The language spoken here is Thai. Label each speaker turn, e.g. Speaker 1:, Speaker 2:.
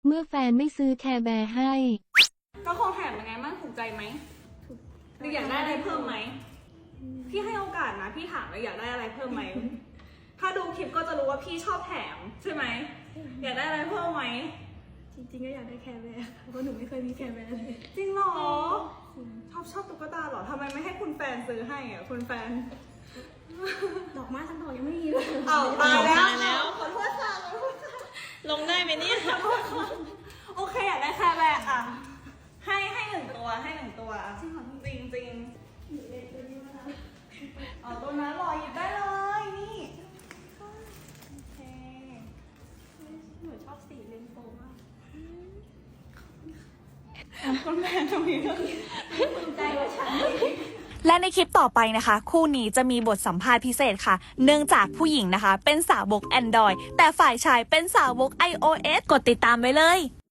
Speaker 1: เมื่อแฟนไม่ซื้อแคร์แบร์ให้
Speaker 2: ก็ของแถมยังไงบ้างถูกใจไหมหรืออยากได้อะไรเพิ่มไหมพี่ให้โอกาสนะพี่ถามเลยอยากได้อะไรเพิ่มไหมถ้าดูคลิปก็จะรู้ว่าพี่ชอบแถมใช่ไหมอยากได้อะไรเพิ่มไหม
Speaker 3: จริงๆก็อยากได้แคร์แบร์เพราะหนูไม่เคยมีแคร์แบร์เลย
Speaker 2: จริงเหรอชอบตุ๊กตาเหรอทำไมไม่ให้คุณแฟนซื้อให้อ่ะคุณแฟน
Speaker 3: ดอกไม้ทั้งดอกยังไม่มีเลย
Speaker 2: เอาตายแล้วขอโทษค่ะ
Speaker 4: ลงได้ไหมเนี่ย
Speaker 2: โอเคอยากได้แคร์แบร์อ่ะให้หนึ่งตัวจริงจริงเอาตัวนั้นรอหยิบได้เลยนี่โอเค
Speaker 3: หนูชอบสีเรนโบว์มาก
Speaker 2: คุณแม่ตรงนี้ก็
Speaker 3: ภูมิใจว่าฉัน
Speaker 4: และในคลิปต่อไปนะคะ คู่นี้จะมีบทสัมภาษณ์พิเศษค่ะ เนื่องจากผู้หญิงนะคะ เป็นสาวก Android แต่ฝ่ายชายเป็นสาวก iOS กดติดตามไว้เลย